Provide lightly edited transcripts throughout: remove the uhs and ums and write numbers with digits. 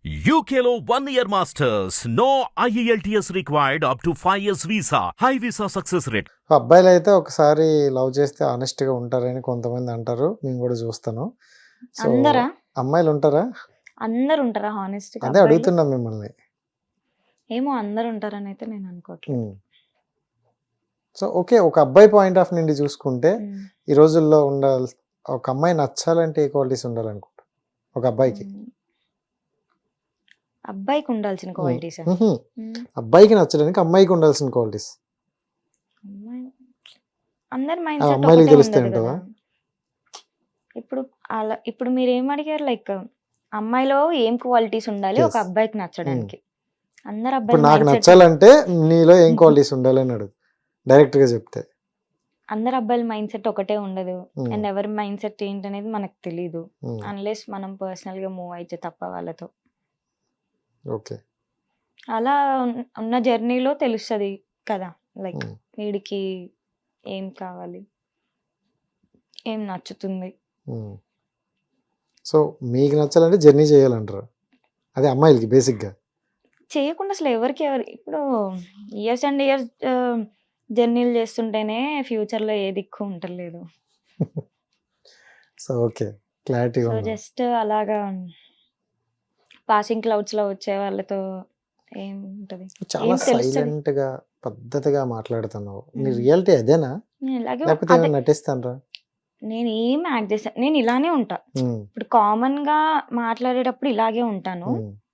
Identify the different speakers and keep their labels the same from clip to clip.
Speaker 1: UKLO 1 year masters. No IELTS required up to 5 years visa. High visa success rate.
Speaker 2: అబ్బాయిలు అయితే ఒకసారి love చేస్తే honest గా ఉంటారని కొంతమంది అంటారు. నేను కూడా చూస్తాను. సో
Speaker 3: అందరా?
Speaker 2: అమ్మాయిలు ఉంటారా?
Speaker 3: అందరు ఉంటారా హానెస్ట్ గా
Speaker 2: అదే
Speaker 3: అబ్బాయిలు?
Speaker 2: అడుగుతున్నా మిమ్మల్ని.
Speaker 3: ఏమో అందరు ఉంటారని అయితే నేను అనుకోవట్లేదు.
Speaker 2: సో ఓకే, ఒక అబ్బాయి పాయింట్ ఆఫ్ నుండి చూసుకుంటే ఈ రోజుల్లో ఉండాలి, ఒక అమ్మాయి నచ్చాలంటే ఏ క్వాలిటీస్ ఉండాలనుకుంటా ఒక అబ్బాయికి?
Speaker 3: అబ్బాయికి ఉండాల్సిన క్వాలిటీస్
Speaker 2: అబ్బాయికి నచ్చడానికి అమ్మాయికి ఉండాల్సిన క్వాలిటీస్
Speaker 3: అందరి మైండ్
Speaker 2: అమ్మాయిలకి
Speaker 3: సెట్
Speaker 2: తెలుస్తాయి
Speaker 3: ఉండదు
Speaker 2: అంటావా?
Speaker 3: కదా. ఇప్పుడు మీరు ఏం అడిగారు, లైక్ అమ్మాయిలో ఏం క్వాలిటీస్ ఉండాలి ఒక
Speaker 2: Yes.
Speaker 3: అబ్బాయికి నచ్చడానికి? అందరు
Speaker 2: ఇప్పుడు
Speaker 3: అబ్బాయిల
Speaker 2: నాకు
Speaker 3: మైండ్ సెట్
Speaker 2: నచ్చాలంటే నీలో ఏం క్వాలిటీస్ ఉండాలని అడుగు, డైరెక్ట్ గా చెప్తే.
Speaker 3: అందరు అబ్బాయిల మైండ్ సెట్ ఒకటే ఉండదు.
Speaker 2: Hmm.
Speaker 3: అండ్ ఎవరి మైండ్ సెట్ ఏంటనేది మనకు తెలియదు
Speaker 2: Hmm.
Speaker 3: అన్లెస్ మనం పర్సనల్ గా మూవ్ అయితే తప్ప వాళ్ళతో.
Speaker 2: ఓకే.
Speaker 3: అలా ఉన్న జర్నీలో తెలుస్తుంది కదా, లైక్
Speaker 2: Hmm.
Speaker 3: వీడికి ఏం కావాలి, ఏం నచ్చుతుంది.
Speaker 2: సో మీకు నచ్చాలంటే జర్నీ చేయాలంటారు, అదే అమ్మాయిలకి బేసిక్ గా.
Speaker 3: చేయకుండా అసలు ఎవరికి ఇప్పుడు ఇయర్స్ అండ్ ఇయర్స్ జర్నీలు చేస్తుంటేనే ఫ్యూచర్ లో ఏ దిక్కు ఉండలేదు.
Speaker 2: So okay, clarity
Speaker 3: so just అలాగా పాసింగ్ క్లౌడ్స్ లో వచ్చే వాళ్ళతో ఏం ఉంటది,
Speaker 2: చాలా
Speaker 3: ఏం తెలుస్తుంది?
Speaker 2: సైలెంట్ గా పద్ధతిగా మాట్లాడుతున్నావు. నీ
Speaker 3: Hmm.
Speaker 2: రియాలిటీ అదేనా
Speaker 3: నేను ఇలాగే
Speaker 2: లేకపోతే
Speaker 3: అదే,
Speaker 2: ఏమైనా నటిస్తానరా?
Speaker 3: నేను ఏం యాక్ట్ చేస్తాను, నేను ఇలానే ఉంటా. ఇప్పుడు కామన్ గా మాట్లాడేటప్పుడు ఇలాగే ఉంటాను.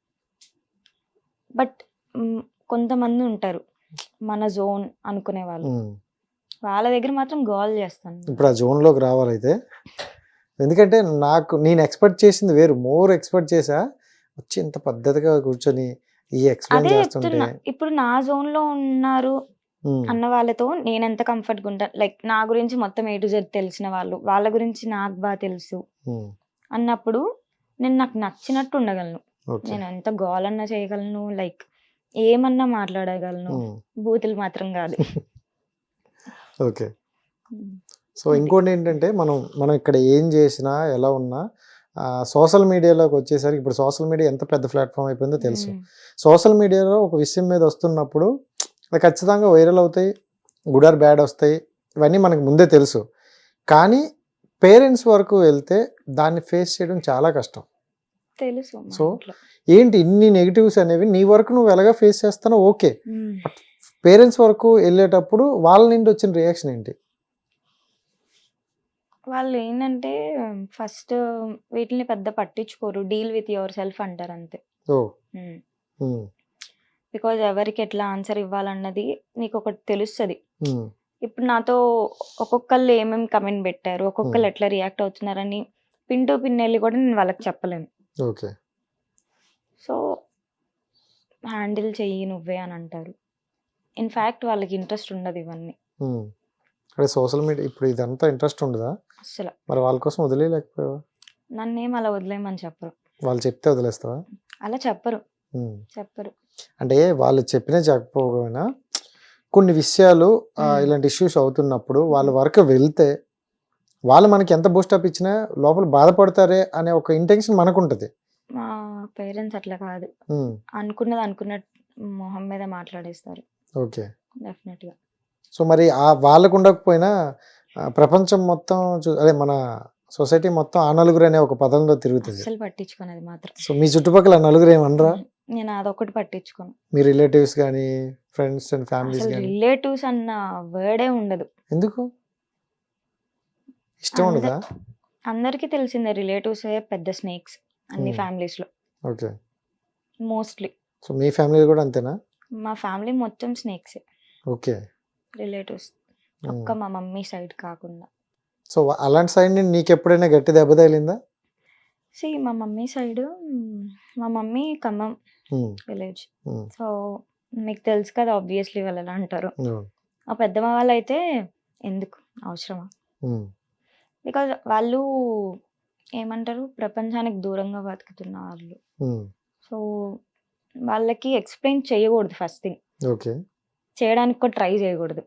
Speaker 3: బట్ కొంతమంది ఉంటారు మన జోన్ అనుకునే వాళ్ళు, వాళ్ళ దగ్గర మాత్రం గోల్ చేస్తాను.
Speaker 2: ఇప్పుడు ఆ జోన్ లోకి రావాలైతే, ఎందుకంటే నేను ఎక్స్పెక్ట్ చేసింది వేరు, మోర్ ఎక్స్పెక్ట్ చేసా. వచ్చి ఇంత పద్ధతిగా కూర్చొని ఈ ఎక్స్ప్లెయిన్
Speaker 3: అదే
Speaker 2: చేస్తుంటే.
Speaker 3: చెప్తున్నా, ఇప్పుడు నా జోన్ లో ఉన్నారు అన్న వాళ్ళతో నేను ఎంత కంఫర్ట్ గా ఉంటాను. లైక్ నా గురించి మొత్తం A to Z తెలిసిన వాళ్ళు, వాళ్ళ గురించి నాకు బాగా తెలుసు అన్నప్పుడు నేను నాకు నచ్చినట్టు ఉండగలను.
Speaker 2: ఓకే.
Speaker 3: నేను ఎంత గోల్ అన్నా చేయగలను, లైక్ ఏమన్నా మాట్లాడగలను, బూతులు మాత్రం కాదు.
Speaker 2: ఓకే. సో ఇంకోటి ఏంటంటే మనం ఇక్కడ ఏం చేసినా ఎలా ఉన్నా సోషల్ మీడియాలోకి వచ్చేసరికి, ఇప్పుడు సోషల్ మీడియా ఎంత పెద్ద ప్లాట్ఫామ్ అయిపోయిందో తెలుసు. సోషల్ మీడియాలో ఒక విషయం మీద వస్తున్నప్పుడు అది ఖచ్చితంగా వైరల్ అవుతాయి, గుడ్ ఆర్ బ్యాడ్ వస్తాయి, ఇవన్నీ మనకు ముందే తెలుసు. కానీ పేరెంట్స్ వరకు వెళ్తే దాన్ని ఫేస్ చేయడం చాలా కష్టం.
Speaker 3: తెలుసు మా
Speaker 2: సో
Speaker 3: ఇంట్లో.
Speaker 2: ఏంటి ఇన్ని నెగిటివ్స్ అనేవి నీ వరకు నువ్వు ఎలాగా ఫేస్ చేస్తానో ఓకే, పేరెంట్స్ వరకు వెళ్ళేటప్పుడు వాళ్ళ నుండి వచ్చిన రియాక్షన్ ఏంటి?
Speaker 3: వాళ్ళు ఏంటంటే ఫస్ట్ వీటిని పెద్ద పట్టించుకోరు, డీల్ విత్ యువర్ సెల్ఫ్ అంటారు అంతే.
Speaker 2: ఓ ఉమ్,
Speaker 3: బికాజ్ ఎవరికి ఎట్లా ఆన్సర్ ఇవ్వాలన్నది నీకు ఒకటి తెలుస్తుంది.
Speaker 2: ఉమ్,
Speaker 3: ఇప్పుడు నాతో ఒక్కొక్కళ్ళు ఏమేమి కమెంట్ పెట్టారు, ఒక్కొక్కళ్ళు ఎట్లా రియాక్ట్ అవుతున్నారని పిన్ టు పిన్ వెళ్ళి కూడా నేను వాళ్ళకి చెప్పలేను.
Speaker 2: ఓకే.
Speaker 3: సో హ్యాండిల్ చెయ్యి నువ్వే అని అంటారు. ఇన్ఫ్యాక్ట్ వాళ్ళకి ఇంట్రెస్ట్ ఉండదు ఇవన్నీ
Speaker 2: ఉమ్. అదే సోషల్ మీడియా ఇప్పుడు ఇదంతా ఇంట్రెస్ట్ ఉండదా?
Speaker 3: అసలు.
Speaker 2: మరి వాళ్ళ కోసం వదిలేయలేకపోయావా?
Speaker 3: నన్నేం అలా వదిలేయమని చెప్పరు,
Speaker 2: వాళ్ళు చెప్తే వదిలేస్తావా?
Speaker 3: అలా చెప్పరు.
Speaker 2: ఉమ్.
Speaker 3: చెప్పరు.
Speaker 2: అంటే వాళ్ళు చెప్పినా చెప్పకపోయినా కొన్ని విషయాలు ఇలాంటి ఇష్యూస్ అవుతున్నప్పుడు వాళ్ళ వరకు వెళ్తే వాళ్ళు మనకి ఎంత బూస్టప్ ఇచ్చినా లోపల బాధపడతారే అనే ఒక ఇంటెన్షన్ మనకు ఉంటుంది.
Speaker 3: మా పేరెంట్స్ అట్లా కాదు, అనుకున్నది అనుకున్నట్టు మొహం మీద మాట్లాడేస్తారు
Speaker 2: ఓకే.
Speaker 3: డెఫినెట్ గా.
Speaker 2: సో మరి వాళ్ళకు ఉండకపోయినా ప్రపంచం మొత్తం అదే మన సొసైటీ మొత్తం ఆ నలుగురు అనే ఒక పదంలో తిరుగుతుంది.
Speaker 3: అస్సలు పట్టించుకునేది మాత్రం.
Speaker 2: సో మీ చుట్టుపక్కల నలుగురు ఏమనరా?
Speaker 3: నేను అదొకటి పట్టించుకోను.
Speaker 2: మీ రిలేటివ్స్ కానీ ఫ్రెండ్స్ అండ్ ఫ్యామిలీస్
Speaker 3: అసలు
Speaker 2: కానీ?
Speaker 3: రిలేటివ్స్ అన్న వర్డే ఉండదు.
Speaker 2: ఎందుకు ఇష్టం ఉండదా?
Speaker 3: అందరికీ తెలిసిందే రిలేటివ్స్ పెద్ద స్నేక్స్ అన్ని ఫ్యామిలీస్ లో
Speaker 2: ఓకే.
Speaker 3: మోస్ట్లీ.
Speaker 2: సో మీ ఫ్యామిలీ కూడా అంతేనా?
Speaker 3: మా ఫ్యామిలీ మొత్తం స్నేక్స్,
Speaker 2: ఓకే.
Speaker 3: రిలేటివ్స్ ఒక్క మా మమ్మీ సైడ్ కాకుండా.
Speaker 2: సో అలాంటి సైడ్ నుండి నీకు ఎప్పుడైనా గట్టి దెబ్బ తగిలిందా?
Speaker 3: మా మమ్మీ సైడ్, మా మమ్మీ ఖమ్మం విలేజ్. సో మీకు తెలుసు కదా ఆబ్వియస్లీ వాళ్ళు ఎలా అంటారు. ఆ పెద్దమ్మ వాళ్ళు అయితే ఎందుకు అవసరమా, బికాజ్ వాళ్ళు ఏమంటారు ప్రపంచానికి దూరంగా బతుకుతున్న వాళ్ళు. సో వాళ్ళకి ఎక్స్ప్లెయిన్ చేయకూడదు ఫస్ట్ థింగ్,
Speaker 2: ఓకే.
Speaker 3: చేయడానికి కూడా ట్రై చేయకూడదు.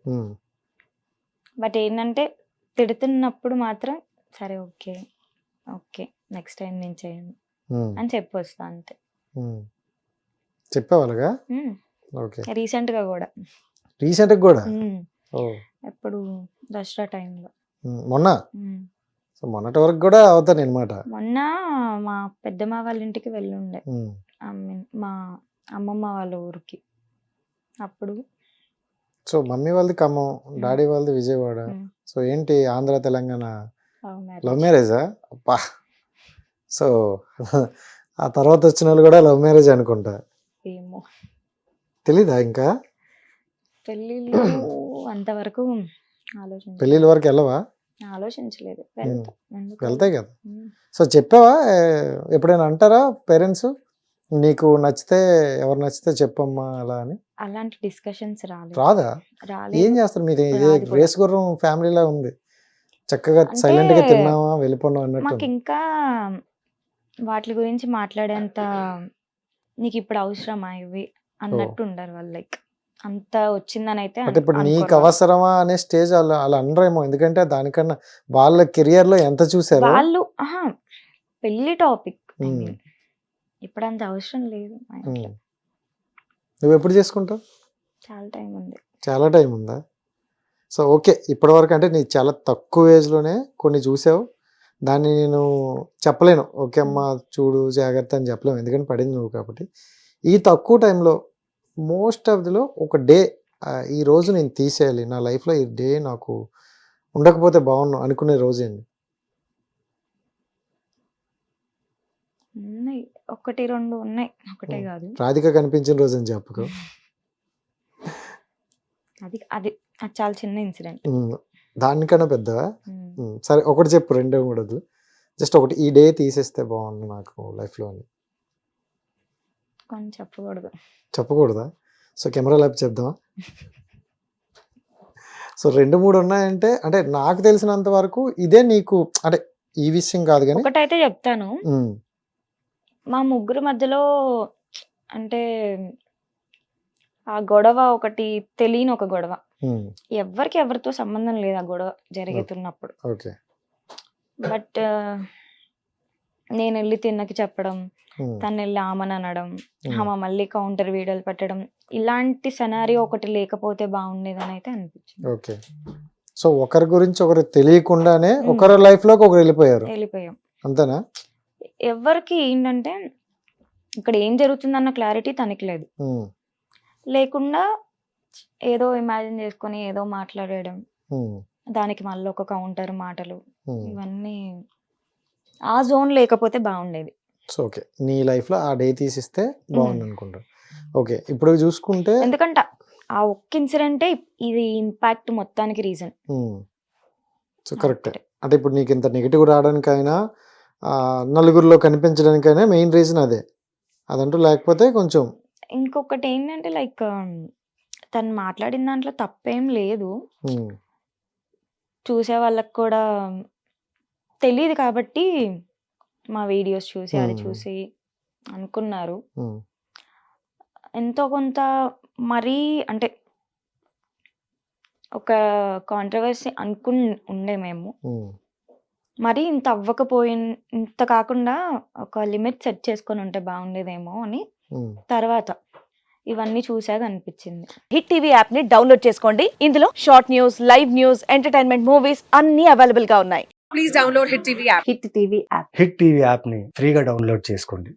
Speaker 3: బట్ ఏంటంటే తిడుతున్నప్పుడు మాత్రం సరే ఓకే ఓకే నెక్స్ట్ టైం నేను చేయను అని చెప్పి వస్తా అంతే.
Speaker 2: చెప్పేవాళ్ళగా. ఓకే.
Speaker 3: రీసెంట్గా కూడా.
Speaker 2: రీసెంట్గా కూడా. ఓ
Speaker 3: ఎప్పుడు దసరా టైంలో.
Speaker 2: మొన్న. సో మొన్నటి వరకు కూడా అవుతాను అనమాట.
Speaker 3: మొన్న మా పెద్దమ్మ వాళ్ళ ఇంటికి వెళ్ళుండే, మా అమ్మమ్మ వాళ్ళ ఊరికి. అప్పుడు
Speaker 2: సో మమ్మీ వాళ్ళది ఖమ్మం, డాడీ వాళ్ళది విజయవాడ. సో ఏంటి ఆంధ్ర తెలంగాణ లవ్ మ్యారేజా? అబ్బా. సో ఆ తర్వాత వచ్చిన వాళ్ళు కూడా లవ్ మ్యారేజ్ అనుకుంటా.
Speaker 3: ఏమో
Speaker 2: తెలీదా ఇంకా?
Speaker 3: పెళ్ళిళ్ళు అంతవరకు
Speaker 2: పెళ్ళిళ్ళ వరకు వెళ్ళవా?
Speaker 3: ఆలోచించలేదు.
Speaker 2: వెళ్తాయి కదా. సో చెప్పావా ఎప్పుడైనా? అంటారా పేరెంట్స్ నీకు నచ్చితే ఎవరు నచ్చితే చెప్పమ్మా అలా అని?
Speaker 3: అలాంటి డిస్కషన్స్
Speaker 2: రాదా? ఏం చేస్తారు మీరు? ఇదే రేస్ గుర్రం ఫ్యామిలీలా ఉంది, చక్కగా సైలెంట్ గా తిన్నావా వెళ్ళిపోన్నావు అన్నట్టు.
Speaker 3: మాకు ఇంకా వాటి గురించి మాట్లాడేంత నీకు ఇప్పుడు అవసరమా ఇవి అన్నట్టు ఉండరు వాళ్ళు. లైక్ అంత వచ్చిందని అయితే
Speaker 2: అంటే ఇప్పుడు నీకు అవసరమా అనే స్టేజ్ అలా అనరేమో, ఎందుకంటే దానికన్నా వాళ్ళ కెరియర్ లో ఎంత చూసారు
Speaker 3: వాళ్ళు. పెళ్లి టాపిక్ ఇప్పుడు అంత అవసరం లేదు.
Speaker 2: నువ్వు ఎప్పుడు చేసుకుంటావు?
Speaker 3: చాలా టైం ఉంది.
Speaker 2: చాలా టైం ఉందా? సో ఓకే, ఇప్పటి వరకు అంటే నీ చాలా తక్కువ ఏజ్ లోనే కొన్ని చూసావు, దాన్ని నేను చెప్పలేను ఓకే అమ్మా చూడు జాగ్రత్త అని చెప్పలేము, ఎందుకంటే పడింది నువ్వు కాబట్టి. ఈ తక్కువ టైంలో మోస్ట్ ఆఫ్ దిలో ఒక డే ఈ రోజు నేను తీసేయాలి నా లైఫ్లో, ఈ డే నాకు ఉండకపోతే బాగున్నాను అనుకునే రోజు ఏంటి?
Speaker 3: ఉన్నాయి, ఒకటి రెండు ఉన్నాయి, ఒకటే కాదు.
Speaker 2: రాధిక కనిపించిన రోజు అని చెప్పుకో.
Speaker 3: అది అది అది చాలా చిన్న ఇన్సిడెంట్.
Speaker 2: దానికన్నా పెద్దవా? సరే ఒకటి చెప్పు, రెండే మూడదు, జస్ట్ ఒకటి ఈ డే తీసేస్తే బాగుంది నాకు లైఫ్లో అని.
Speaker 3: కొన్ని చెప్పకూడదు.
Speaker 2: చెప్పకూడదా? సో కెమెరా ల్యాబ్ చెప్దామా? సో 2-3 ఉన్నాయంటే, అంటే నాకు తెలిసినంత వరకు ఇదే నీకు, అంటే ఈ విషయం కాదు కానీ
Speaker 3: ఒకటైతే చెప్తాను. మా ముగ్గురు మధ్యలో అంటే ఆ గొడవ ఒకటి తెలియని ఒక గొడవ, ఎవరికి ఎవరితో సంబంధం లేదు ఆ గొడవ జరుగుతున్నప్పుడు. బట్ నేను వెళ్ళి తిన్నకి చెప్పడం, తను వెళ్ళి ఆమెను అనడం, ఆమె మళ్ళీ కౌంటర్ వీడియోలు పెట్టడం, ఇలాంటి సెనారియో ఒకటి లేకపోతే బాగుండేదని అయితే అనిపించింది.
Speaker 2: ఓకే. సో ఒకరి గురించి ఒకరు తెలియకుండానే ఒకరి లైఫ్ లోకి ఒకరు వెళ్ళిపోయాం అంతేనా?
Speaker 3: ఎవరికి ఏంటంటే ఇక్కడ ఏం జరుగుతుందన్న క్లారిటీ తనకి లేదు, లేకుండా ఏదో ఇమాజిన్ చేసుకొని ఏదో మాట్లాడడం, దానికి మళ్ళీ ఒక కౌంటర్ మాటలు, ఇవన్నీ ఆ జోన్ లేకపోతే బాగుండేది.
Speaker 2: సో ఓకే, నీ లైఫ్ లో ఆ డే తీసిస్తే బాగుంది అనుకుంటా. ఓకే, ఇప్పుడు చూసుకుంటే
Speaker 3: ఎందుకంటే ఆ ఒక్క ఇన్సిడెంటే ఇది ఇంపాక్ట్ మొత్తానికి రీజన్.
Speaker 2: So correct. అంటే ఇప్పుడు నీకు ఇంత నెగిటివ్ రావడానికైనా నలుగురిలో కనిపించడానికైనా మెయిన్ రీజన్ అదే, అదంటూ లేకపోతే కొంచెం.
Speaker 3: ఇంకొకటి ఏంటంటే లైక్ తను మాట్లాడిన దాంట్లో తప్పేం లేదు, చూసే వాళ్ళకి కూడా తెలియదు కాబట్టి మా వీడియోస్ చూసి అది చూసి అనుకున్నారు ఎంతో కొంత. మరీ అంటే ఒక కాంట్రవర్సీ ఉండే మేము, మరి ఇంత ఇంత కాకుండా ఒక లిమిట్ సెట్ చేసుకొని ఉంటే బాగుండేదేమో అని తర్వాత ఇవన్నీ చూసాక అనిపించింది.
Speaker 4: హిట్ టీవీ యాప్ ని డౌన్లోడ్ చేసుకోండి. ఇందులో short news, live news, entertainment movies అన్ని అవైలబుల్ గా ఉన్నాయి. Please download hit TV app.
Speaker 5: Hit TV app ని ఫ్రీగా డౌన్లోడ్ చేసుకోండి.